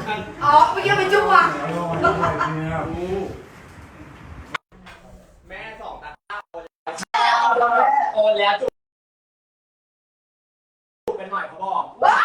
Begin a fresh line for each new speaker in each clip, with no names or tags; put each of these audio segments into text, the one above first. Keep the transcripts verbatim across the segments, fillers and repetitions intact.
อ๋อเมื่อกี้เป็นจุ๊บว่ะ
แม่สองตาโอนแล้วจุ๊บเป็นหน่อยเขาบอก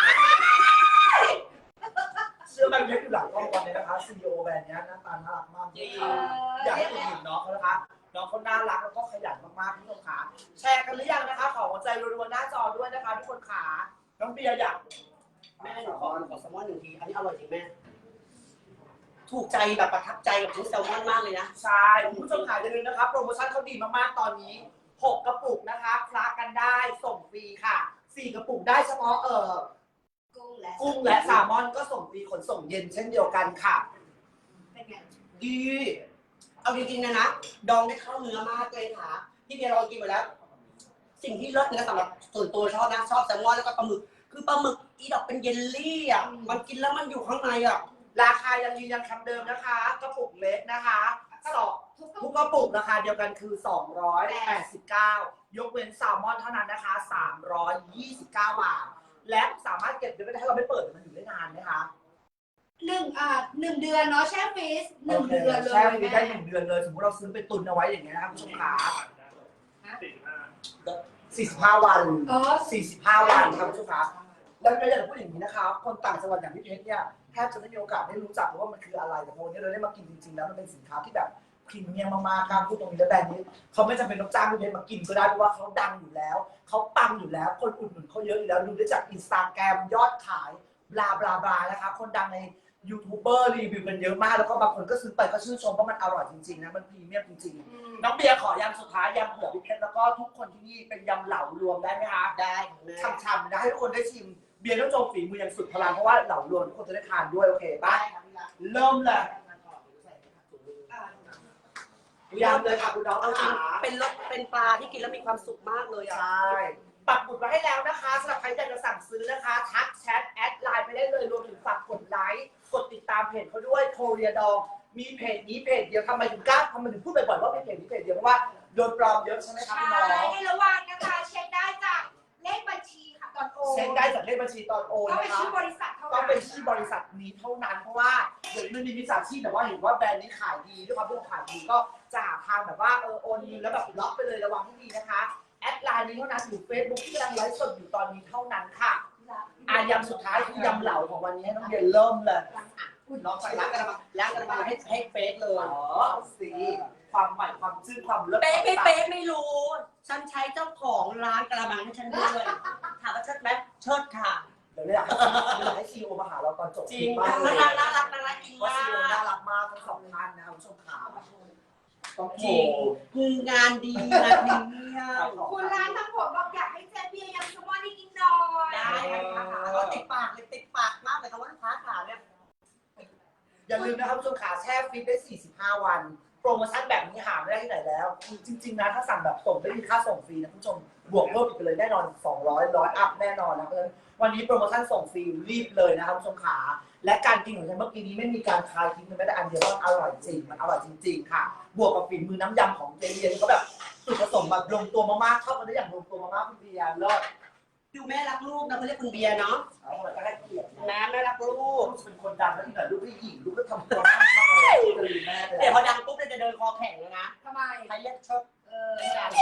เชื่อมันเล็กอยู่หลังกล้องตอนนี้นะคะซีอีโอแบรนด์นี้หน้าตาน่ารักมากจริงอยากให้คุณเห็นน้องเขานะคะน้องเขาน่ารักแล้วก็ขยันมากๆทุกคนขาแชร์กันหรือยังนะคะขอหัวใจรัวๆหน้าจอด้วยนะคะทุกคนขาน้องเบียร์อยาก
แม่หนูขอขอแซลมอนหนึ่งทีอันนี้อร่อยจริงแม่ถูกใจแบบประทับใจกับชิ้นแซลมอนมากเลยนะ
ใช่คุณผู้ชมขายอย่าลืมนะครับโปรโมชั่นเขาดีมากๆตอนนี้หกกระปุกนะคะคลากันได้ส่งฟรีค่ะสี่กระปุกได้เฉพาะเอ่อกุ้งและกุ้งและแซลมอนก็ส่งฟรีขนส่งเย็นเช่นเดียวกันค่ะ
เป็นไง
ดีเอาจริงๆนะนะดองได้เข้าเนื้อมากเลยค่ะพี่เบียร์ลองกินไปแล้วสิ่งที่เลิศนะสำหรับส่วนตัวชอบนะชอบแซลมอนแล้วก็ปลาหมึกคือปลาหมึกอีดอกเป็นเยลลี่อ่ะมันกินแล้วมันอยู่ข้างในอ่ะ
ราคายังยืนยันคำเดิมนะคะกระปุกเล็กนะคะสองทุกกระปุกราคาเดียวกันคือสองร้อยแปดสิบเก้ายกเว้นแซลมอนเท่านั้นนะคะสามร้อยยี่สิบเก้าบาทและสามารถเก็บได้ถ้าเราไม่เปิดมันอยู่ได้นานไหมคะ
หนึ่งอ่าหนึ่งเดือนเนาะแช่ฟรีซหนึ่งเดือนเลย
แช่ฟรีได้หนึ่งเดือนเลยสมมติเราซื้อไปตุนเอาไว้อย่างเงี้ยนะครับคุณผู้ชมขาสี่สิบห้าวันสี่สิบห้าวันครับคุณผู้ชมขาแล้วก็อยากพูดอย่างนี้นะคะคนต่างจังหวัดอย่างพี่เพชรเนี่ยแทบจะไม่มีโอกาสได้รู้จักว่ามันคืออะไรแต่พอวันนี้เราได้มากินจริงๆแล้วมันเป็นสินค้าที่แบบพรีเมียมมากๆการพูดตรงนี้แล้วแบรนด์นี้เขาไม่จำเป็นต้องจ้างพี่เพชรมากินก็ได้เพราะว่าเขาดังอยู่แล้วเขาปังอยู่แล้วคนอุดหนุนเขาเยอะอยู่แล้วดูได้จากอินสตาแกรมยอดขายบลาบลาบลานะคะคนดังในยูทูบเบอร์รีวิวกันเยอะมากแล้วก็บางคนก็ซื้อไปก็ชื่นชมว่ามันอร่อยจริงๆนะมันพรีเมียมจริงๆน้องเบียร์ขอยำสุดท้ายยำเผือกพี่เพชรแล้วก็ทุกคนที่นี่เป็นยำเหลารวมได้ไหมคะ
ได้
ฉ่ำๆนะให้ทุกคนได้ชิมเบียร์ต้องโจมฝีมืออย่างสุดพลังเพราะว่าเหลารวมทุกคนจะได้ทานด้วยโอเคป่ะเริ่มเลยยำเลยค่ะคุณน้องเอาจริง
เป็นรสเป็นปลาที่กินแล้วมีความสุขมากเลยอ่ะ
ใช่ปักหมุดไว้ให้แล้วนะคะสำหรับใครอยากจะสั่งซื้อนะคะทักแชทแอดไลน์ไปได้เลยรวมถึงฝากกดไลค์กดติดตามเพจเขาด้วยโคเรียดองมีเพจนี้เพจเดียวทำไมถึงกล้าทำไมถึงพูดบ่อยๆว่าเป็นเพจนี้เพจเดียวเพราะว่าโดนปลอมเยอะใช่ไหมครับพี่น้อง
ใช่ให้ระวังนะคะเช็คได้จากเลขบัญชีค่ะตอนโอน
เช็คได้จากเลขบัญชีตอนโอน
ต้อง
นะคะ
เป็นชื่อบริษัทเท่านั้น
ต้องเป็นชื่อบริษัทนี้เท่านั้นเพราะว่าเดี๋ยวมันมีมิจฉาชีพแต่ว่าเห็นว่าแบรนด์นี้ขายดีด้วยความที่เขาขายดีก็จะหาทางแบบว่าเออโอนเงินแล้วแบบล็อกไปเลยระวังให้ดีนะคะแอดไลน์นี้เท่านั้นหรือเฟซบุ๊กที่กำลังไลฟ์สดอยู่ตอนนี้เท่านั้นค่ะอายำสุดท้ายคือยำเหลาของวันนี้ให้น้องเบียร์เริ่มเลย
ลองใส่ล้างกระมังล้างกระมังให้ให้เฟซเลย
อ๋อสิความใหม่ความชื่นความเลิศ
เป๊ะไม่เป๊ะไม่รู้ฉันใช้เจ้าของร้านกระมังให้ฉันด้วยถามว่าเชิดไหมเชิดค่ะ
เดี๋ยวอยากให้อยากให้ซีโอมาหาเราตอนจบ
จริง
มากเลย
น่ารักน่ารักน่ารักจริง
ว่า
มา
ซีโอก น่ารักมากทั้งสองท่านนะครับผู้ชมขาต้อง
จริงคืองานดีงานดีเยี่ยม
คุณร้านทำผมบอกอยากให้เจ๊เบียร์ยำแซลมอนให้กินหน่อย
ได้ค่ะก็ติดปากเลยติดปากมากเลยคำว่าลูกค้าขาเนี่ย
อย่าลืมนะครับผู้ชมขาแช่ฟรีได้สี่สิบห้าวันโปรโมชั่นแบบนี้หาไม่ได้ที่ไหนแล้วจริงๆนะถ้าสั่งแบบส่งไม่มีค่าส่งฟรีนะผู้ชมบวกเพิ่มอีกไปเลยแน่นอนสองร้อยร้อยอัพแน่นอนนะเพราะฉะนั้นวันนี้โปรโมชั่นส่งฟรีรีบเลยนะครับผู้ชมขาและการกินของฉันเมื่อกี้นี้ไม่มีการคายทิ้งเลยแม้แต่อันเดียวว่าอร่อยจริงมันอร่อยจริงๆค่ะบวกกับฝีมือน้ำยำของเจเลียนก็แบบสุดผสมแบบลงตัวมากๆเข้ากันได้อย่างลงตัวมากๆคุณเบียร์เลิศ
ดูแม่รักลูกนะเขาเรียกคุณเบียร์เนาะ
เอาละก็ให้เกียรติ
นะแม่รักลู
ลู
ก
กเป็นคนดังแล้วที่ไหนลูกพี่หญิงลูกก็ทำตัวมากเลยจะลืมแม่เลย
เดี๋ยวพอดังปุ๊บจะเดินคอแข็งแล้วนะ
ทำไม
ใครเรียกชด
เออ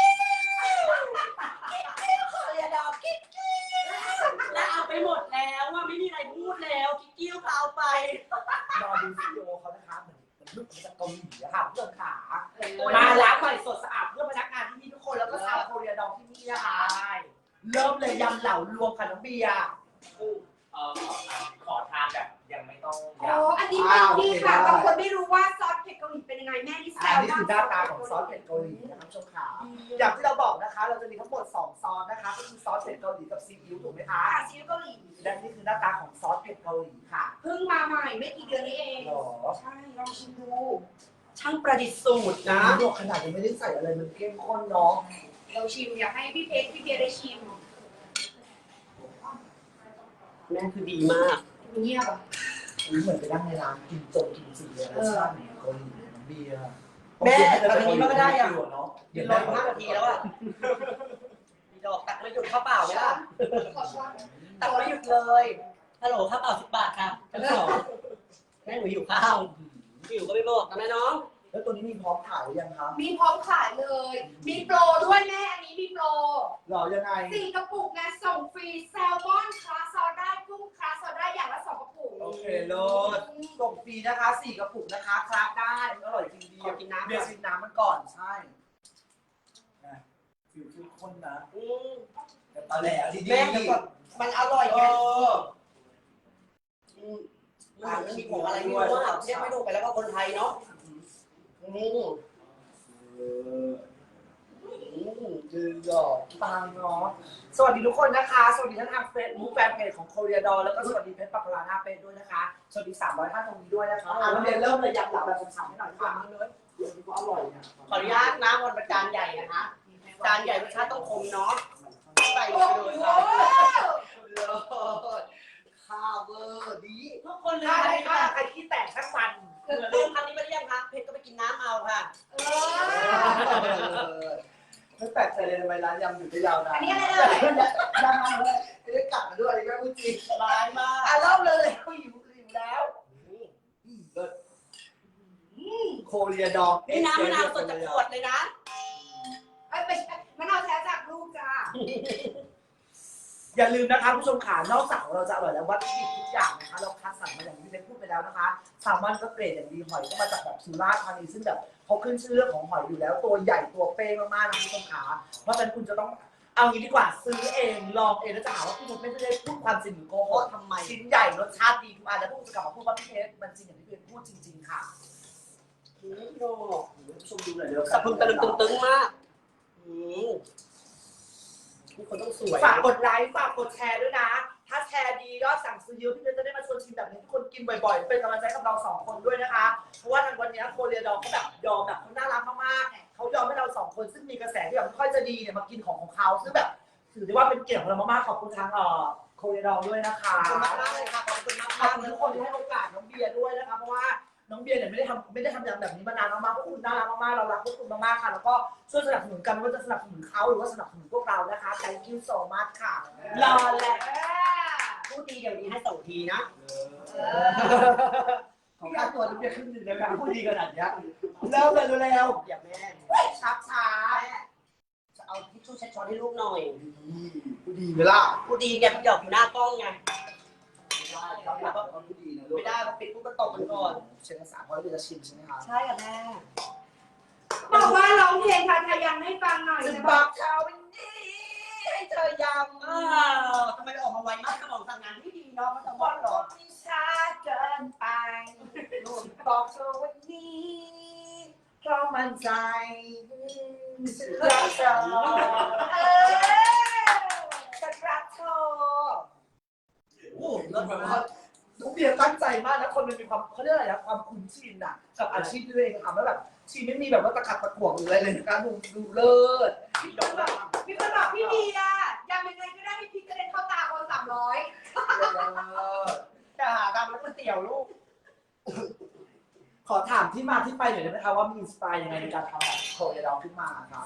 เรียดอกกิ๊กกิ๊กแล้วเอาไปหมดแล้วว่าไม่มีอะไรพูดแล้วกิ๊กกิ้วก็เอาไป
รอดูซีโอเขานะคะเหมือนเหมือนลูกมาจากเกาหลีอะค่ะเพื่อนขามาล้างใหม่สดสะอาดเพื่อพนักงานที่นี่ทุกคนแล้วก็ชาวโคเรียดองที่นี่นะคะเริ่มเลยยำเหล่ารวมค่ะน้องเบียร์
เออขอทานแบบยังไม่ต้อง
โอ้อันนี้เป็นนี่ค่ะบางคนไม่รู้ว่าซอสเผ็ดเกาหลีเป็นยังไงแม่นี่แซ
อัน
ว
นี้คือหน้าตาของซอสเผ็ดเกาหลีนะครับชมขาอย่างที่เราบอกนะคะ เราจะมีทั้งหมดสองซอสนะคะก็คือซอสเผ็ดเกาหลีกับซีอิ๊วถูกไหมคะ
ค่ะซีอิ๊วเกาหลี
และนี่คือหน้าตาของซอสเผ็ดเกาหลีค่ะ
เพิ่งมาใหม่ไม่กี่เดือนนี้เอง
หรอ
ใช่ลองชิมดู
ช่างประดิษฐ์สูตรนะ
ลวกขนาดยังไม่ได้ใส่อะไรมันเข้มข้นเนาะ
เราชิมอยากให้พี่เพชรพี่เบียร์ได้ชิม
แม่คือดีมาก
เงียบอ่ะ
เหมือนไปนั่งในร้านกินจงกินจีเลยรสชาติเกาหลีน้ำเบียร์
แม่ตอนนี้มันก็ได้อะ
เนาะ
เดี๋ยวรออยู่ห้านาทีแล้วอ่ะมีดอกตักไม่หยุดข้าวเปล่าไหมล่ะ
ขอช้อน
ตักไม่หยุดเลยฮัลโหลข้าวเปล่าสิบบาทค่ะชั้นสองแม่หนูหิวข้าวหิวก็ไม่บอกนะแม่น้อง
แล้วตัวนี้มีพร้อมขายหรือยังครับ
มีพร้อมขายเลย มีโปรด้วยแม่อันนี้มีโปร
หรอยังไง
สี่กระปุกนะส่งฟรีแซลมอนคลาสซอลได้กุ้งคลาสซอลได้อย่างละสองกระปุก
โอเคเลิศส่งฟรีนะคะสี่กระปุกนะคะคลาสได้อร่อยจริงดี
ขอกินน้ำ
เบียร์ชิมน้ำมันก่อนใช่นะฟิวเข้มข้นนะ
อืม
แต่ตอนแหลดีๆ
แม่แต่ก่อนมันอร่อย
เอ
ไง
อ
อืมมันไม่มีของอะไรไม่รู้อ่ะเรียกไม่ถูกไปแล้วก็คนไทยเนาะอืม
เออจืดหยอกปังเนาะสวัสดีทุกคนนะคะ สวัสดีทั้งทางเฟซบุ๊กแฟนเพจของโคเรียดอแล้วก็สวัสดีเพจปักลาหน้าเป็ดด้วยนะคะ สวัสดีสามร้อยท่านตรงนี้ด้วยนะคะอ่ะแล้วเรียนเริ่มเลยอยากหลับแบบฉ่ำๆให้หน่อยค่ะเลยเดี๋ยวนี้ก็อร่อยเนี่ย
ขออนุญาตนะวันประจานใหญ่นะคะจานใหญ่รสชาติต้องคมเนาะใส่
โอ้
ไป
โห
เลยค่ะ
เลิศข้าวเวอร์ดี
ทุกคนเล
ถ้าย ใครใครขี้แตกสักวัน
คือเติมคำนี้ไม่ได้ยังคะเพชรก็ไปกินน้ำเอาค่ะ
เออ
ไม่แปลกใจเลยทำไมร้านยำอยู่ได้ยาวนาน
อันนี้อะไรเอ่ย
ยาวนานเลยไม่ได้กลับมาด้วยอันนี้ไม่พูดจริง
ร้ายมาก
อ่ะเล่าเลยหิวหิวแล้วเลิศโคเรียดอง
นี่น้ำมะนาวสดจากขวดเลยนะ
เอ้ยไม่ใช่มะนาวแท้จากลูกจ้า
อย่าลืมนะคะผู้ชมขานอกจากเราจะอร่อยแล้ววัตถุดิบทุกอย่างนะคะเราคัดสรรมาอย่างที่เล็กพูดไปแล้วนะคะแซลมอนก็เกรดอย่างดีหอยก็มาจากแบบสุราษฎร์ธานีซึ่งแบบเขาขึ้นชื่อเรื่องของหอยอยู่แล้วตัวใหญ่ตัวเป้มากๆนะผู้ชมขาเพราะฉะนั้นคุณจะต้องเอางี้ดีกว่าซื้อเองลองเองแล้วจะหาว่าพี่นุชไม่ได้พูดความจริงหรือโกหก
ทำไม
ชิ้นใหญ่รสชาติดีทุกอันแล้วพวกจะกลับมาพูดว่าพี่เพชรมันจริงอย่างที่พี่เพชรพูดจริงๆค่ะ
อืมโอ้
ผู้ชมดูหน่อยเร็ว
สะพรึงตะลึงตึงๆมากอืมทุกคนต้องสวย
ฝากกดไลค์ฝากกดแชร์ด้วยนะ ถ้าแชร์ดียอดสั่งซื้อเยอะพี่เพชรจะได้มาชวนชิมแบบนี้ทุกคนกินบ่อยๆเป็นกำลังใจกับเราสองคนด้วยนะคะเพราะว่าทางวันนี้โคเรียดองเขาแบบยอมแบบเขาน่ารักมากๆเขายอมให้เราสองคนซึ่งมีกระแสที่แบบไม่ค่อยจะดีเนี่ยมากินของของเขาซึ่งแบบถือได้ว่าเป็นเกียรติของเรามากๆขอบคุณทางเอ่อโคเรียดองด้วยนะคะ
ขอบคุณมากๆเลยค่ะขอบคุณมาก
ขอบ
ๆ
คุณ
เลย
ทุกคนที่ให้โอกาสน้องเบียร์ด้วยนะคะเพราะว่าน้องเบียร์เนี่ยไม่ได้ทำไม่ได้ทำอย่างแบบนี้มานานมากๆพวกคุณน่ารักมากๆเรารักพวกคุณมากๆค่ะแล้วก็ช่วยสนับสนุนกันไม่ว่าจะสนับสนุนเขาหรือว่าสนับสนุนพวกเรานะคะ thank you so much ค่ะ
รอแหละ
เออ
พูดดีเดี๋ยวนี้ให้สองทีนะ
ของค่าตัวน้องเบียร์ขึ้นหนึ่งเลยนะพูดดีขนาดนี้เริ่มเลยเร็ว
อย่าแม่
ๆช้าช้า
จะเอาทิชชู่เช็ดช้อนให้ลูกหน่อย
พูดดีไหมล่ะ
พูดดีแกพี่หยอกอยู่หน้ากล้องไง
พูดดีนะลูก
ไม่ได้พอปิดปุ๊บก็ตกมันก่อน
เชิญภาษาเพราะเราจะชิมใช่ไหมคะ
ใช่ค่ะแม่
บอกว่าร้องเพลงไทยๆยังให้ฟังหน่อย
จะ
นะ
บ
บ
อ
อก
กชาววันนี้ให้เธอยำ
อ้าวทำไมออกมาไวมากสมองสั่งงานที่ดีเนาะมันจะ
บ
บ
อ
อก ก
ห
ห
ร
ร
อ
อ
ที่ช้าเกินไปบอกเธอวันนี้เพราะมันใจฉันรักเธอ
เออ
ฉันรักเธอ
โอ้โหเลิศมาก
น้องเบียร์ตั้งใจมากนะคนมันมีความเขาเรียกอะไรนะความคุ้นชินอ่ะกับอาชีพที่ตัวเองทำแล้วแบบชีไม่มีแบบว่าตะขัดตะขวงหรืออะไรเลยนะคะดูดูเลิศ
มีคนบอกมีคนบอกพี่ดีอ่ะยังยังไงก็ได้ให้พริกกระเด็นเข้าตาคนสามร้อย
จะหาตามร้านก๋วยเตี๋ยวลูก
ขอถามที่มาที่ไปหน่อยได้ไหมคะว่ามีอินสปายยังไงในการทำแบบโคเรียดองขึ้นมาครับ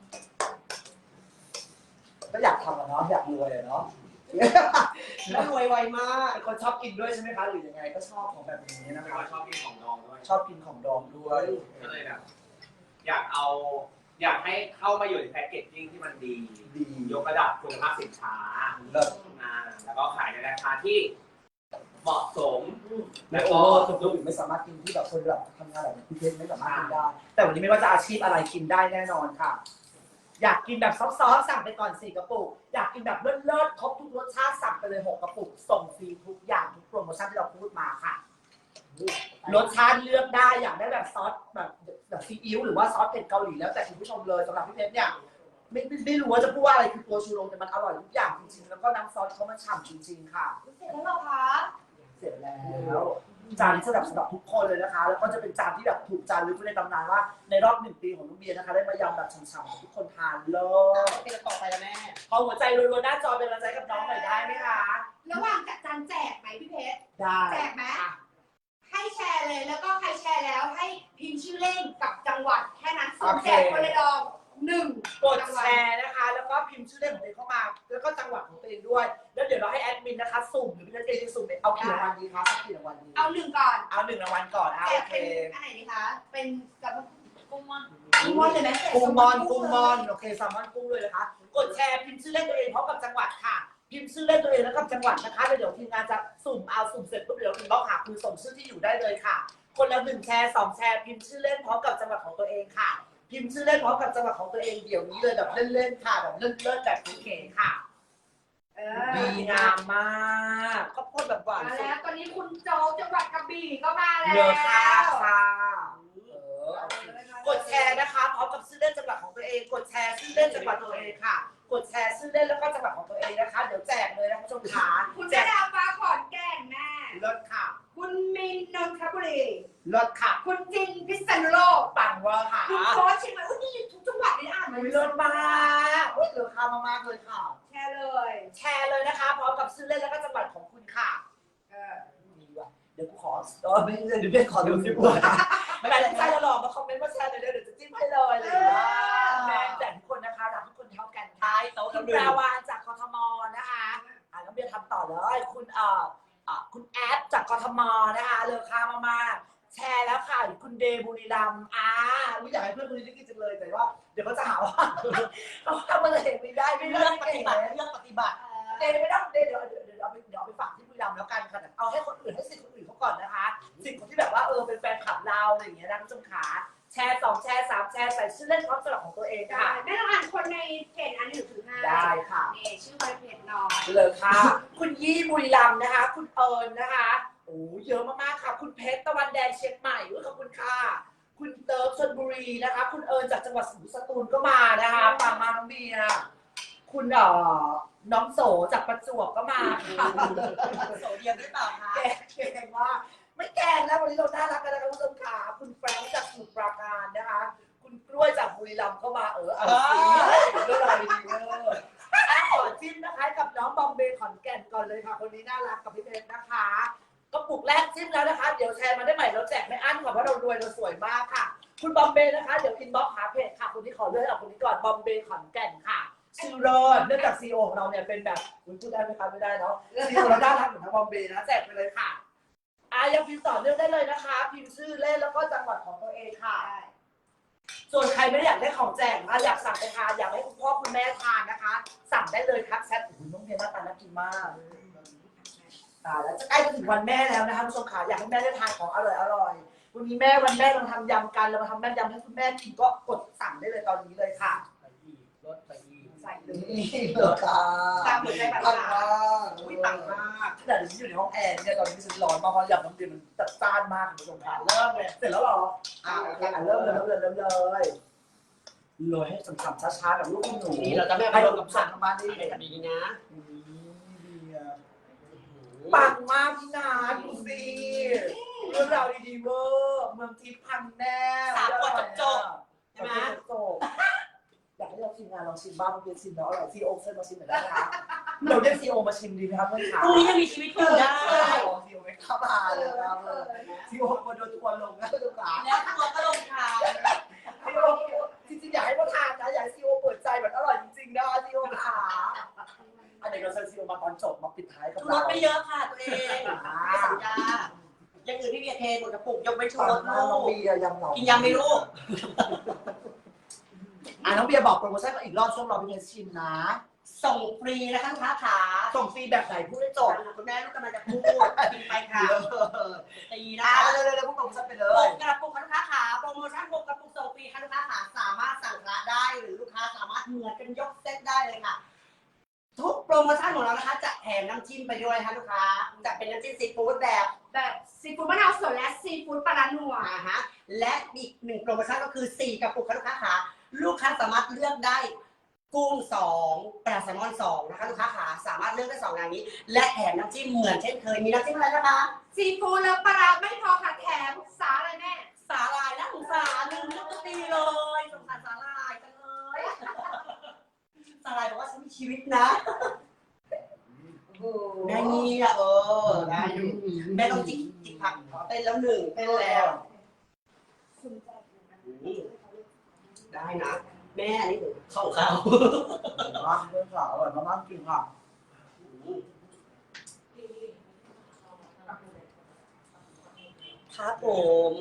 ก็อยากทำอะเนาะอยากรวยอะเนาะ
แล้วรวยไวมาก
เป็นคนชอบกินด้วยใช่ไหมคะหรือยังไงก็ชอบของแบบนี้นะ
เป็น
คะ
คนชอบกินของดองด้วย
ชอบกินของดองด้วย
ก็เลยแบบอยากเอา อยากให้เข้ามาอยู่ในแพ็กเกจจิ้งที่มันดี
ดี
ยกระดับคุณภาพสินค้า
เลิศ
อ่าแล้วก็ขายในราคาที่เหมาะสม
แล้
แล้ว ว
โอ้
ก็
คนอื่นไม่สามารถกินที่แบบคนแบบทำงานแบบพี่เพชรไม่สามารถกินได้ แต่วันนี้ไม่ว่าจะอาชีพอะไรกินได้แน่นอนค่ะ อยากกินแบบซอฟต์ๆสั่งไปก่อนสี่กระปุกอยากกินแบบเลิศๆครบทุกรสชาติสั่งไปเลยหกกระปุกส่งฟรีทุกอย่างทุกโปรโมชั่นที่เราพูดมาค่ะ รสชาติเลือกได้อยากได้แบบซอสแบบแบบซีอิ๊วหรือว่าซอสเผ็ดเกาหลีแล้วแต่คุณผู้ชมเลยสำหรับพี่เพชรเนี่ยไม่ไม่ไม่รู้ว่าจะพูดว่าอะไรคือตัวชูโรงแต่มันอร่อยทุกอย่างจริงๆแล้วก็น้ำซอสเขามันฉ่ำจริงๆค่ะ
เสร็จแล้วเหรอคะ
เสร็จแล้วจานนี้สำหรับสำหรับทุกคนเลยนะคะ แล้วก็จะเป็นจานที่แบบถูกจานลึกไว้ในตำนานว่าในรอบหนึ่งปีของน้องเบียร์นะคะได้มายำแบบฉ่ำๆให้ทุกคนทานเล
อ่ะ
ย
เป็นต่อไปแล้วแม่
ขอหัวใจรัวๆหน้าจอเป็นกำลังใจกับน้องหน่อยได้ไหมคะ
ระหว่างจัดจานแจกไหมพี่เพชร
ได้
แจกไหมให้แชร์เลยแล้วก็ใครแชร์แล้วให้พิมพ์ชื่อเล่นกับจังหวัดแค่นั้นส่งแจกคนละดองหนึ่ง
กดแชร์นะคะ แล้วก็พิมพ์ชื่อเล่นของตัวเองเข้ามา แล้วก็จังหวัดของตัวเองด้วย แล้วเดี๋ยวเราให้แอดมินนะคะสุ่มหรือพี่เจจะสุ่มเอากี่รางวัลดีคะกี่รางวัลดี
เอาหนึ่งก่อน
เอาหนึ่งรางวัลก่อนอ่ะ
แจ
โอก เค
เป็นอันไหนดีคะ เป็นกับกุ้งมอนกุ้งมอนเลยไหม
กุ้งมอนกุ้งมอนโอเคแซลมอนกุ้งเลยนะคะกดแชร์พิมพ์ชื่อเล่นตัวเองพร้อมกับจังหวัดค่ะพิมพ์ชื่อเล่นตัวเองแล้วกับจังหวัดนะคะแล้วเดี๋ยวทีมงานจะสุ่มเอาสุ่มเสร็จปุ๊บเดี๋ยวอินบ็อกซ์หาคุณส่งชื่อที่อยู่ได้เลยค่ะคนละหนึ่งแชร์สองแชร์พิมพ์ชื่อเล่นพร้อมกับจังหวัดของตัวเองค่ะพิมพ์ชื่อเล่นพร้อมกับจังหวัดของตัวเองเดี๋ยวนี้เลยแบบเล่นๆค่ะแบบเล่นๆแบบเก๋ๆค่ะ
เอ
ดี
อง
ามมากข้าวโพดแบบหวาน
มา
สุด
แล้วตอนนี้คุณโจจังหวัดกระบี่ก็มาแล้ว
เยอะค่ะค่ะเออกดแชร์นะคะพร้อมกับชื่อเล่นจังหวัดของตัวเอง กดแชร์ชื่อเล่นจังหวัดตัวเองค่ะ กดแชร์ชื่อเล่นแล้วก็จังหวัดของตัวเองนะคะเดี๋ยวแจกเลยนะคุณผู้ชมขา
คุณ
แจ
แม่
ก
ดาวฟ้าขอนแก่นแม่
เลิศค่ะ
คุณมินนนทบุรี
เลิศค่ะ
คุณจินพิษณุโลก
ปังเวอร์ค่ะ
คุณโค้ชเชียงใหม่อุ้ยนี่ทุกจังหวัดเลยอ่านมา
เลิศมากอุ้ยเหลือค่ามากๆเลยค่ะ
แชร์เลย
แชร์เลยนะคะพร้อมกับชื่อเล่นแล้วก็จังหวัดของคุณค่ะ
เออ
ดีว่ะเดี๋ยวกูขอเออไม่เดี๋ยวเดี๋ยวขอดูสิบวันไม่เป็นไรใจเราหลอกมาคอมเมนต์มาแชร์เลยเดี๋ยวจะจิ้มให้เลยเลยแม่แต่ทุกคนนะคะรักทุกคนเท่ากันค่ะคุณปราวานจากกทมนะคะอ่ะน้องเบียร์ทำต่อเลยคุณเอ่ออ่ะคุณแอดจากกทมนะคะเลอค่ามากๆแชร์แล้วค่ะคุณเดบุรีรัมย์อ่าอุ๊ยอยากให้เพื่อนคนนี้ได้กินจังเลยแต่ว่าเดี๋ยวเขาจะหาว่าเขาทำอะไรไม่ได้ไม่
เลื
เลื
อ
อก ก
ป
ป
ฏิ
ฏิ
บั
บั
ติ
ติ
เลือกปฏิบัติ
เดย์ไม่ต้องเดย์เดี๋ยวเดี๋ยวเดี๋ยวเอาไปเดี๋ยวเอาไปฝากที่บุรีรัมย์แล้วกันค่ะแต่เอาให้คนอื่นให้สิทธิ์คนอื่นเขาก่อนนะคะสิทธิ์คนที่แบบว่าเออเป็นแฟนคลับเราอะไรอย่างเงี้ยนะคุณผู้ชมขาแชร์สองแชร์สามแชร์ใส่ชื่อเล่นพร้อมสลับของตัวเอง
ได้
ค่ะ
แม่ต้องอ่านคนในเพจอันหนึ่งถึงห้า
ได้ค่ะ
นี่ชื่อในเพจน้อย
เลยค่ะ คุณยี่บุรีรัมย์นะคะ คุณเอิญนะคะโอ้เยอะมากๆค่ะ คุณเพชรตะวันแดงเชียงใหม่ขอบคุณค่ะคุณเติร์ฟชลบุรีนะคะ คุณเอิญจากจังหวัดสตูลก็มานะคะปังมาน้องเบียร์คุณเอ่อน้องโสจากประจวบก็มาค่ะ
โสเดียมหรือเปล่าคะ
แกงแกงว่าไม่แกงแล้ววันนี้เราน่ารักกันนะคะคุณผู้ชมค่ะคุณแฟรงค์จากสมุทรปราการนะคะ คุณกล้วยจากบุรีรัมย์ก็มาเออเอาสิเรื่องอะไรดีเวอร์อ่ะขอจิ้มนะคะกับน้องบอมเบย์ขอนแก่นก่อนเลยค่ะคนนี้น่ารักกับพี่เพชรนะคะกระปุกแรกจิ้มแล้วนะคะเดี๋ยวแชร์มาได้ใหม่เราแจกไม่อั้นค่ะเพราะเรารวยเราสวยมากค่ะ คุณบอมเบย์นะคะเดี๋ยวอินบ็อกซ์หาเพจค่ะคนที่ขอเลือกเอาคนนี้ก่อนบอมเบย์ขอนแก่นค่ะชื่อเลิศเนื่องจากซีอีโอของเราเนี่ยเป็นแบบคุณพูดได้ไหมคะไม่ได้เนาะซีอีโอเราน่ารักเหมือนทางบอมเบย์นะแจกไปเลยค่ะอ่ะยังพิมพ์ต่อเนื่องได้เลยนะคะพิมพ์ชื่อเล่นแล้วก็จังหวัดของตัวเองค่ะ ส่วนใครไม่ได้อยากได้ของแจกนะอยากสั่งไปทานอยากให้คุณพ่อคุณแม่ทานนะคะ สั่งได้เลยทักแชทโอ้โหน้องเพียรหน้าตาน่ากินมากตายแล้วจะใกล้จะถึงวันแม่แล้วนะคะคุณผู้ชมขาอยากให้แม่ได้ทานของอร่อยอร่อยวันนี้แม่วันแม่เราทำยำกันเรามาทำแม่ยำให้คุณแม่กินก็กดสั่งได้เลยตอนนี้เลยค่ะ
รถไปอีก
ใส่เลย
นี่เลยค่ะ
ตามหัวใจแบบ
ปัง
ว่า
มากอุ้ยปังมากขนาดที่อยู่ในห้องแอร์เนี่ยตอนนี้ฉันร้อนมากเพราะยำน้ำเดือดมันจัดจ้านมากคุณผู้ชมขาเริ่มเลยเสร็จแล้วเหรออ่าโอเคอ่ะเริ่มเลยเริ่มเลยเริ่มเลยโรยให้ฉ่ำๆช้าๆแบบลูกหนู
นี่เราจะไม่
ให้
ไป
ล
ล
ง
ง
กั
กั
บบ สั่
สั่
ง
ง
ทางบ้านได้
นี่
เลย
ดีนะ
ปังมากพี่นาดูสิเรื่องราวดีๆเวอร์เมืองทิพย์พังแน่
สามขวดจบ
ใช่ไหมจบอยากให้เราทีมงานลองชิมบ้างเพื่อนชิมแล้วอร่อยซีโอเชิญมาชิมหน่อยนะคะเราเรียกซีโอมาชิมดีไหมครับเพื่อนขา
พรุ่งนี้ยังมีชีวิตอยู่ได้
ซีโอไม่เข้ามาเลยครับซีโอคนโดนทัวร์ลงนะทุกขา
แล้วตัวก็ลงทาง
ซีโอจริงๆอยากให้เขาทานนะอยากให้ซีโอเปิดใจแบบอร่อยจริงๆนะซีโอขาอันนี้เราเชิญซีโอมาตอนจบมาปิดท้ายกับ
ร
เรา
ถไม่เยอะค่ะตัวเองไม่สัญญายังอื่นพี่เบียร์เทหมดกระปุกยกไม่ชู
ปั
รง ถ
มากน้อง
ลู
เบี
ก
ยร์ยำเหนา
กินยำไม่ลูก
อ่ะน้องเบียร์บอกโปรโมชั่นอีกรอบช่วงรอพี่เพชรชิมนะ
ส่งฟรีนะคะลูกค้าขา
ส่งฟรีแบบไหนพูดให้จบ
คุณแม่ลูกกำลังจะพูดกินไปค่ะตีนะ
อ่ะ
คะ
เร็วๆๆพูดโปรโมชั่นไปเล
ห
ย
กกระปุกค่ะลูกค้าขาโปรโมชั่นหกกระปุกส่งฟรีค่ะลูกค้าขาสามารถสั่งละได้หรือลูกค้าสามารถเหมือนกันยกเซตได้เลยค่ะ ทุกโปรโมชั่นของเรานะคะจะแถมน้ำจิ้มไปด้วยค่ะลูกค้าจะเป็นน้ำจิ้มซีฟู้ดแบบ
แบบซีฟู้ดมะนาวสดและซีฟู้ดปลาร้านัว
อ่าฮะและอีกหนึ่งโปรโมชั่นก็คือสี่กระปุกค่ะลูกค้าขาลูกค้าสามารถเลือกได้กุ้งสองปลาแซลมอนสองนะคะลูกค้าขาสามารถเลือกได้สองอย่างนี้ และแถมน้ำจิ้มเหมือนเช่นเคยมีน้ำจิ้มอะไรนะคะ
ซีฟู้ดและปลาร้าไม่พอค่ะแถมสาอะไรแม่
สาหร่ายนะสงสารลืมนึกตัวตีเลยสงสารสาหร่ายจังเลยสาหร่ายบอกว่าฉันมีชีวิตนะได้นี่อ่ะเออได้อยู่แม่ต้องจิกจิกผักขอเต้นแล้วหนึ่งเต้นแล้วได้นะแม่อันนี้เข้าเขา
ร้านเพื่อนสาวอร่อยมากๆจริงค่ะ
ครับผม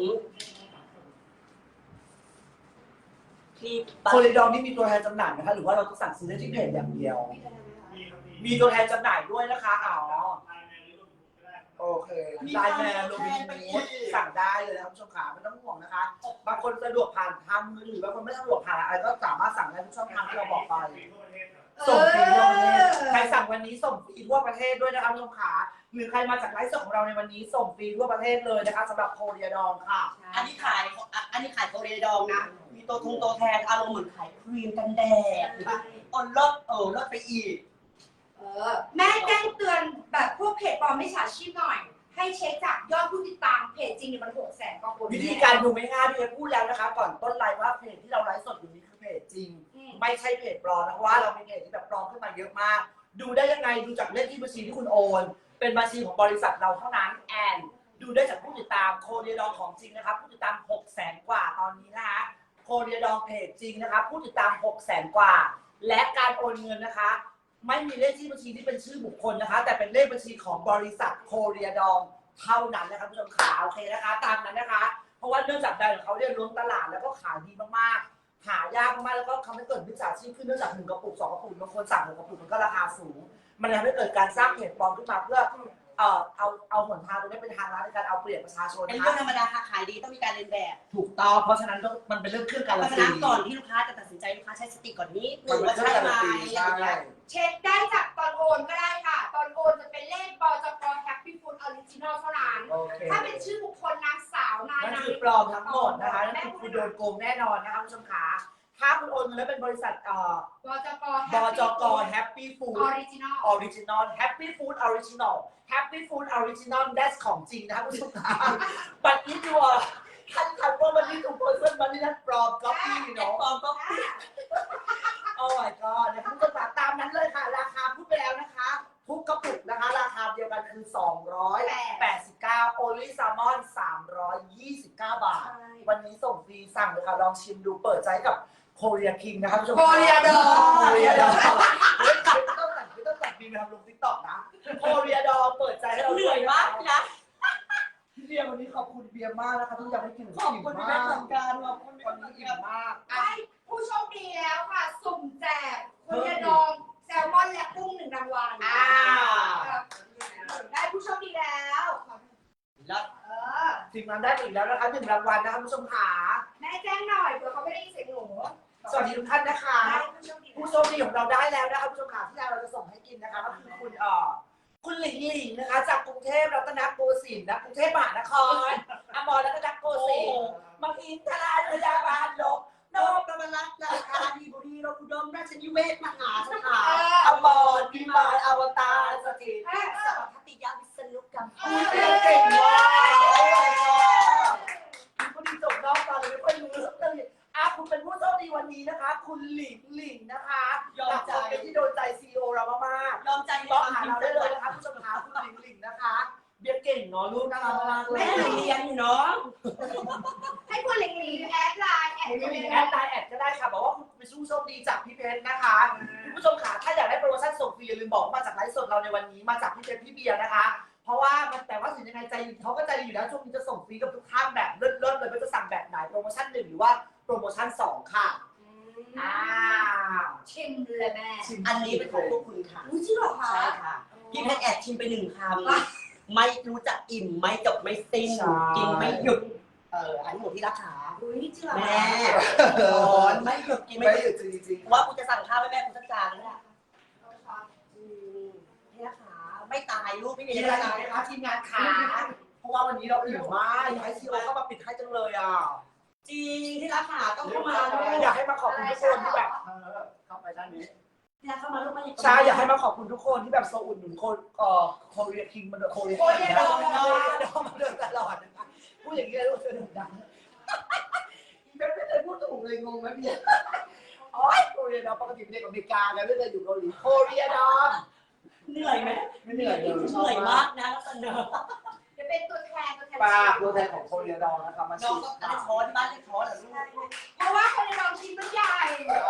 ที่
โคเรียดองนี่มีตัวแทนจำหน่ายนะคะหรือว่าเราต้องสั่งซื้อได้ที่เพจอย่างเดียว มีตัวแทนจำหน่ายด้วยนะคะอ๋อโอเคไลน์แมนโรบินฮูดสั่งได้เลยนะครับผู้ชมขาไม่ต้องห่วงนะคะบางคนสะดวกผ่านทางมือถือบางคนไม่สะดวกผ่านอะไรก็สามารถสั่งได้ทุกช่องทางที่เราบอกไปส่งฟรีทั่วประเทศใครสั่งวันนี้ส่งฟรีทั่วประเทศด้วยนะคะผู้ชมขาหรือใครมาจากไลฟ์สดของเราในวันนี้ส่งฟรีทั่วประเทศเลยนะคะสำหรับโคเรียดองค่ะ
อันนี้ขายอันนี้ขายโคเรียดองนะมีตัวทงตัวแทนอารมณ์เหมือนขายครีมกันแดดอ่อนลดเออลดไปอีก
เออแม่แจ้งเตือนแบบพวกเพจปลอมมิจฉาชีพหน่อย ให้เช็คจากยอดผู้ติดตามเพจจริงเนี่ยมันหกแสนกว่าคน
วิธีการดูไม่ง่ายพี่เอพูดแล้วนะคะก่อนต้นไลฟ์ว่าเพจที่เราไลฟ์สดอยู่นี้คือเพจจริง ไม่ใช่เพจปลอมนะเพราะว่าเรามีเพจที่แบบปลอมขึ้นมาเยอะมาก ดูได้ยังไงดูจากเลขที่บัญชีที่คุณโอน เป็นบัญชีของบริษัทเราเท่านั้นแอนดูได้จากผู้ติดตามโคเรียดองของจริงนะครับผู้ติดตามหกแสนกว่าตอนนี้นะคะโคเรียดองเพจจริงนะคะผู้ติดตามหกแสนกว่า และการโอนเงินนะคะ ไม่มีเลขที่บัญชีที่เป็นชื่อบุคคลนะคะ แต่เป็นเลขบัญชีของบริษัทโคเรียดองเท่านั้นนะคะผู้ชมขาโอเคนะคะตามนั้นนะคะ เพราะว่าเนื่องจากแบรนด์ของเขาเนี่ยล้นตลาดแล้วก็ขายดีมากๆหายากมากๆแล้วก็ทำให้เกิดมิจฉาชีพขึ้นเนื่องจากหนึ่งกระปุกสองกระปุกบางคนสั่งหนึ่งกระปุกมันก็ราคาสูง มันทำให้เกิดการสร้างเพจปลอมขึ้นมาเพื่อเอ่อเอาเอาหนทางตรงนี้เป็นทางลัดในการเอาเปรียบประชาชน
เป็น
นะ
เรื่องธร
คะ
รมดาค่ะขายดีต้องมีการเรียนแบบ
ถูกต้องเพราะฉะนั้นต้องมันเป็นเรื่องเครื่องการั
เพ
น
ราะฉะ
ตี
นั้นก่อนที่ลูกค้าจะตัดสินใจลูกค้าใช้สติก่อนนี้ห
มั
นึ่
น
ง
เป็น
ว่า
เครื่อ
ใช่
งการันตี
ไหมอย่าง
ใช่
เงี้ย
เช็คได้จากตอนโอนก็ได้ค่ะ ตอนโอนจะเป็นเลขบจกแฮปปี้ฟู้ดออริจินอลเท่านั้น
โอเค
ถ้าเป็นชื่อบุคคลนางสาวนาย
นั่น
นาง
คือปลอมทั้งหมดนะคะนั่นคือคุณโดนโกงแน่นอนนะคะคุณผู้ชมขาถ้าคุณโอนเงินแล้วเป็นบริษัทเอ่อบ
จก
บจก Happy
อ
Food
อริจินอล
Original Happy Food Original Happy Food Original that's ของจริงนะครับคุณผู้ชมขา but if you are ท่านทันว่ามันนี่ถูก person มันนี่นั่นปลอม copy เนาะ
ปลอมก็
โอ้ my god นะคะคุณผู้ชมขาตามนั้นเลยค่ะราคาพูดไปแล้วนะคะทุกกระปุกนะคะราคาเดียวกันคือสองร้อยแปดสิบเก้า Only Salmon สามร้อยยี่สิบเก้าบาท วันนี้ส่งฟรีสั่งเลยค่ะลองชิมดูเปิดใจกับโคเรียคิงนะคะผู้ชม
โคเรียดอง
โคเรียดองไม่ต้องสั่งไม่ต้องสั่งฟรีไปทำลงติ๊กต็อกนะโคเรียดองเปิดใจให้เรา
เหนื่อยมากนะ
พี่เบียร์วันนี้ขอบคุณเบียร์มากนะคะที่อยากให้กิน
ขอบคุณพี่แม่เหมือนกันขอบคุณพี่
วัน
แม่
นี้
เหมือน
อิ่
กั
ม
น
มาก
ได้ผู้โชคดีแล้วค่ะ สุ่มแจกโคเรียดองแซลมอนและกุ้งหนึ่งรางวัล
อ่า
ได้ผู้โชคดีแล้ว
แล้ว
เออ
ทีมงานได้อีกแล้วนะคะหนึ่งรางวัลนะคะผู้ชมขา
แม่แจ้งหน่อยเผื่อเขาไม่ได้ยินเสียงหนู
สวัสดีทุกท่านนะคะ
ได้ผู้โชคดี
ผู้โชคดีของเราได้แล้วนะคะผู้ชมขาที่เราจะส่งให้กินนะคะก็คือคุณเอ่อคุณหลิงหลิงนะคะ จากกรุงเทพรัตนโกสินทร์นะกรุงเทพมหานครอมรรัตนโกสินทร์มังอินทราชยาบาลลก
โนประมารัตน์ราชาดีบุรีรอุดมราชนิเวศมหาสถาน
อมรพิมายอวตารสถิต
แม่
สวัสดิยาวิษณุกรรม
เก่งมากคุณดีจบนอกตอนเลยไม่ค่อยรู้เรื่องเลยอ่ะคุณเป็นผู้โชคดีวันนี้นะคะ คุณหลิงหลิงนะคะจากคนเป็นที่โดนใจซีโอเรามากๆ
ยอมใจ
ติดต่อหาเราได้เลยนะคะผู้ชมขาคุณหลิงหลิงนะคะเบียร์เก่งเนาะลูกน่ารักมากเล
แม่
ย
เรียนอยู่เนาะ
ให้คุณหลิงหลิงแอดไลน์แอด
คุณหลิงแอดไลน์แอดก็ได้ค่ะบอกว่าคุณเป็นผู้โชคดีจากพี่เพชรนะคะคุณผู้ชมขาถ้าอยากได้โปรโมชั่นส่งฟรีอย่าลืมบอกมาจากไลฟ์สดเราในวันนี้มาจากพี่เพชรพี่เบียร์นะคะ เพราะว่ามันแต่ว่าถึงยังไงใจเขาก็ใจอยู่แล้วช่วงนี้จะส่งฟรีกับทุกท่านแบบเลิศๆเลยไม่ว่าจะสั่งแบบไหนโปรโมชั่นหนึ่งหรือว่าโปรโมชั่นสองค่ะอ่า
ชิมเลยแม่
อันนี้เป็นของพวกคุณค่ะ
อุ้ยจริงเหรอคะ
ใช่ค่ะพี่เพชรแอบชิมไปหนึ่งคำไม่รู้จักอิ่มไม่จบไม่สิ้นกินไม่หยุดเอออันนี้หมดที่ราคา
อุ้ยจริงเหรอ
แม่ร้อนไม่หยุดกิน
ไม่
ไม่ห
ห
ยุ
ยุ
ด
ดจริง
ว่ากูจะสั่งข้าวให้แม่กูสักจานแล้วเนี่ยอืมที่ราคาไม่ตายลูกไม่
ๆ
มี
มี
อะ
อะไร
ไร
อีกไหมคะทีมงานขาเพราะว่าวันนี้เราอิ่มมากอยากให้ซีโอเข้ามาปิดให้จังเลยอ่ะ
จริงที่ราคาต้องเข้ามาลูก
อยากให้มาขอบคุณทุกคนที่แบบเออเข้าไปด้านนี้
ที่เข้ามาลูกมา
ใช่อยากให้มาขอบคุณทุกคนที่แบบโซอุดหนุนโคเอ่อโคเรียคิงมันโคเรียโคเรียดองโคเรียดองมาเดินตลอดนะคะพูดอย่างนี้เลยลูกเธอดังอีเบนไม่เคยพูดถูกเลยงงไหมพี่โอ้ยโคเรียดองปกติเป็นเด็กอเมริกาไงไม่เคยอยู่เกาหลีโคเรียดอง
เหนื่อยไหม
ไม่เหนื่อยเลย
เหนื่อยมากนะแล้วกันเนอะ
จะเป็นตัวแทนตัวแทน
ปากตัวแทนของโคเรียดองนะคะมา
น้อ
ชิ
ง
ม
ก็อันนี้ช้อนที่บ้านเรียกช้อนเหรอลูก
เพราะว่าคนในลองชิ้นมันใหญ่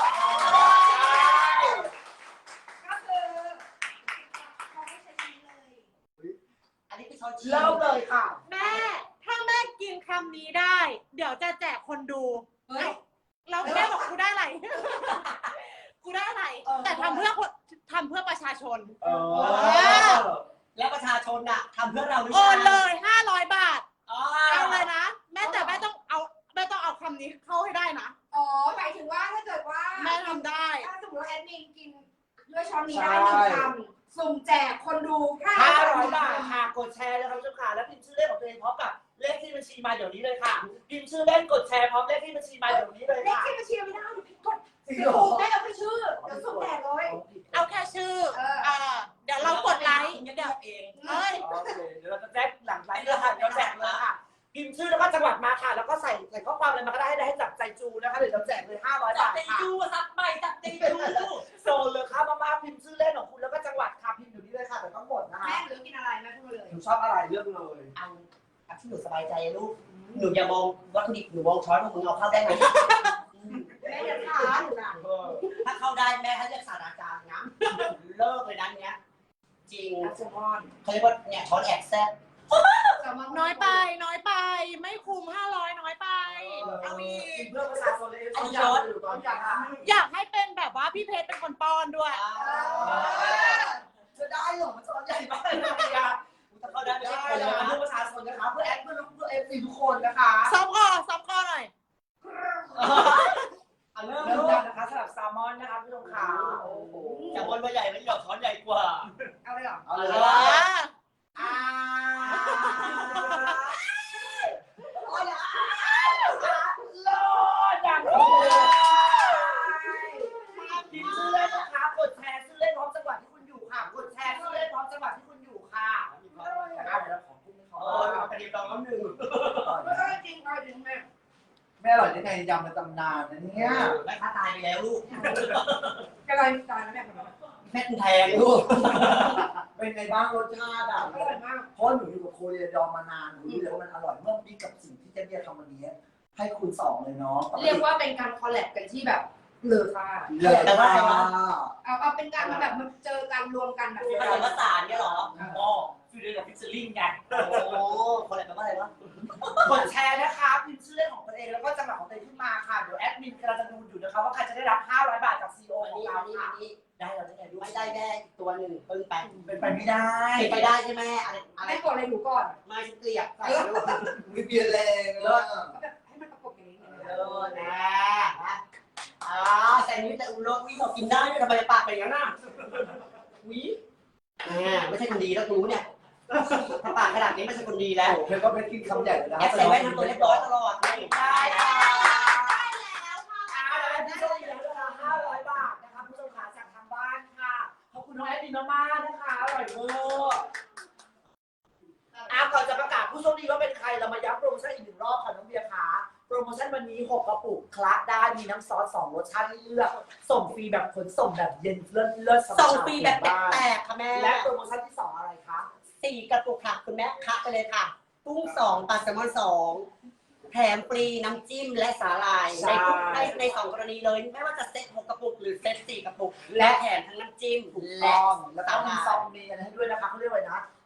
ก็คือเขาไม่ใช้ชิ้นเลย
อันนี้คือช้อนชี้
เริ่มเลยค่ะ
แม่ ถ้าแม่
กินคำนี้ได้ เดี๋ยวจะแจกคนดู
เฮ้ย
แล้วแม่บอกกูได้อะไร กูได้อะไร แต่ทำเพื่อคนทำเพื่อประชาชน
เออ
แล้วประชาชนอะทำเพื่อเราหรือ
โอ
เปล่าน
เลยห้าร้อยบาท
อ๋อ
เอาเลยนะ แม่แต่แม่ต้องเอาแม่ต้องเอาคำนี้เข้าให้ได้นะ
อ๋อหมายถึงว่าถ้าเกิดว่า
แม่ทำได้
ถ้าสมมติว่าแอดมินกินด้วยช้อนนี้ได้หนึ่งคำสุ่มแจกคนดูห้า
ห้า
ร้
ร้
อ
อย ย
บา
บา
ท
ทค่ะกดแชร์นะครับทุกค่ะแล้วพิมพ์ชื่อเล่นของตัวเองพร้อมกับเลขที่บัญชีมาเดี๋ยวนี้เลยค่ะพิมพ์ชื่อเล่นกดแชร์พร้อมเลขที่บัญชีมาเดี๋ยวนี้เลย
เลข
ค่ะ
ที่บัญชีไม่ได้ผิดกฎ
จริง
สิ
เหรอ
ถูกได้เอาไปชื่อเดี๋ยวสุ่มแจกเลย
เอาแค่ชื่อ
เออ
เออเดี๋ยวเรากดไลค์
เดี๋
เดี๋
ย
ยว ว
เอง
เอ้ย
โอเคเดี๋ยวเราจะแจ้งหลังไลฟ์เลยค่ะเดี๋ยวแจกเลยค่ะพิมพ์ชื่อแล้วก็จังหวัดมาค่ะแล้วก็ใส่ใส่ข้อความอะไรมาก็ได้ให้ได้ให้จับใจจูนะคะเดี๋ยวเราแจกเลยห้าร้อย
จับบ
าท
ตี
ค่ะ
จูซับไปจับตีจู
โซนเลยค่ะมามาพิมพ์ชื่อเล่นของคุณแล้วก็จังหวัดค่ะพิมพ์อยู่นี่เลยค่ะแต่ต้องหมดนะคะ
แม่หรือกินอะไรแม่พูดมาเลย
หนูชอบอะไรเลือกเลย
อันอันที่หนูสบายใจลูกหนูอย่ามองวัตถุดิบหนูมองช้อนของมึงเอาเข้าได้ไหม
แม่จะถามหนูนะ
เออ
ถ้าเข้าได้แม่ให้เรียกศาสตราจารย์นะเลิกเลยนะเนี้ยจริง
แซลมอน
เขาเรียกว่าเนี่ยช้อนแอกแซ่บ
แซลมอน
น้อยไป น้อยไป ไม่คุ้มห้าร้อยน้อยไป
เอาอีกเพื่อประชาชนเลย
อันนี้
ย
ย
อ
อ
ด
ด
อยู่ตอนนี้ค่ะ
อยากให้เป็นแบบว่าพี่เพชรเป็นคนป้อนด้วย
จะได้เหรอมันจะใหญ่มากเลยอะ
ถ้าเข้าได้ไม่
ได้
ใช่คน
เล
เลย ย
เพื่อประชาชนนะคะเพื่อแอดเพื่อลูกเพื่อเอฟซีทุกคนนะคะ
ซ้อมคอซ้อมคอหน่อย
เอาเริ่ม
เริ่ม
ลู
แล้ว
ก
นะคะสำหรับแซลมอนนะคะพี่ชมขาโอ้โห
แต่บนว่าใหญ่ไม่หยอกช้อนใหญ่กว่า
เอาเลยเหรอ
เอาเลย
อ่า
อ่าโอ้ยโลดอย่างนี้พิมพ์ชื่อเล่นนะคะกดแชร์ชื่อเล่นพร้อมจังหวัดที่คุณอยู่ค่ะกดแชร์ชื่อเล่นพร้อมจังหวัดที่คุณอยู่ค่ะนะคะเดี๋ยวเราขอพูดให้เขา
เออเอากระเทียมดองน้ำหนึ่ง
เออจริงเอาจริงแม่
แม่อร่อยได้ไงยำในตำนานนะเนี่ย
แม่ค้าตายไปแล้วลูก
กระไรตายนะแม่ขนม
แม่แทงลูก
เป็นไงบ้างรสชาติอ่ะ
อร่อยมาก
เพราะหนูอยู่กับโคเรียดองมานานหนูรู้เลยว่ามันอร่อยเมื่อมีกับสิ่งที่เจ๊เบียร์ทำวันนี้ ให้คุณสองเลยเนาะ
เรียกว่าเป็นการคอลแลบกันที่แบบเลอค่า
เลิศมาก
เอาเอาเป็นการมาแบบมาเจอกันรวมกันแบบ
ผสมผสานเนี่ยเหรอ
อ๋อฟิวเดอร์กับฟิชเชอร์ลิงไง
โอ้คนอะไรแปลว่าอะไรวะ
กดแชร์นะคะพิมพ์ชื่อเล่นของตัวเองแล้วก็จังหวัดของตัวเองขึ้นมาค่ะเดี๋ยวแอดมินกำลังจะดูอยู่นะคะว่าใครจะได้รับห้าร้อยบาทจากซีอีโอ
อัน
ของ
นี้
เรา
อันนี้
ค่ะ
อันนี้
ได้เราได้ไงด้วย
ไม่ได้แม่อีกตัวหนึ่งเพิ่งไป
เป็นไปไม่ได้
เป็นไปได้ใช่ไหมอะไรอะไร
แม่กดอะไรหนูก่อน
ไม่ฉันเกลียดใส่ลูก
มีเบียร์แรงเลย
แบบให้มันประกบกันนิดนึง
เออนะนะอ่าแต่นี้แต่อุโรวิบอกกินได้ด้วยทำไมปากเป็นอย่างนั้นน่ะวิอ่าไม่ใช่คนดีแล้วกูเนี่ยถ้าปากขนาดนี้ไม่ใช่คนดีแล้ว
เธอก็ไปกินคำใหญ่เลยนะ
แอบใส่แว่นทำตัวเรียบร้อยตลอดไม่ได้
ได้
ค่ะ
ค่ะผู้ชมอีกแล้วนะคะห้าร้อยบาทนะคะผู้ชมขาจากทางบ้านค่ะขอบคุณน้องแอดมินมากๆนะคะอร่อยเวอร์อ่ะก่อนจะประกาศผู้โชคดีว่าเป็นใครเรามาย้ำโปรโมชั่นอีกหนึ่งรอบค่ะน้องเบียร์ขาโปรโมชั่นวันนี้หกกระปุกคละได้มีน้ำซอสสองรสชาติให้เลือกส่งฟรีแบบขนส่งแบบเย็นเลิศเลิศ
ส่งฟรีแบบแปลกๆค่ะแม่
และโปรโมชั่นที่สองอะไรคะ
สี่กระปุกค่ะคุณแม่คะไปเลยค่ะกุ้งสองปลาแซลมอนสองแถมฟรีน้ำจิ้มและสาหร่ายในทุกในในสองกรณีเลย ไม่ว่าจะเซ็ตหกกระปุกหรือเซ็ตสี่กระปุกและแถมทั้งน้ำจิ้ม
ถูก
และ
ต้องแล้วก็
สาห
มี
ร่าย
ซองมีอะไรให้ด้วยนะคะเขาเรียกว่าอะไรนะ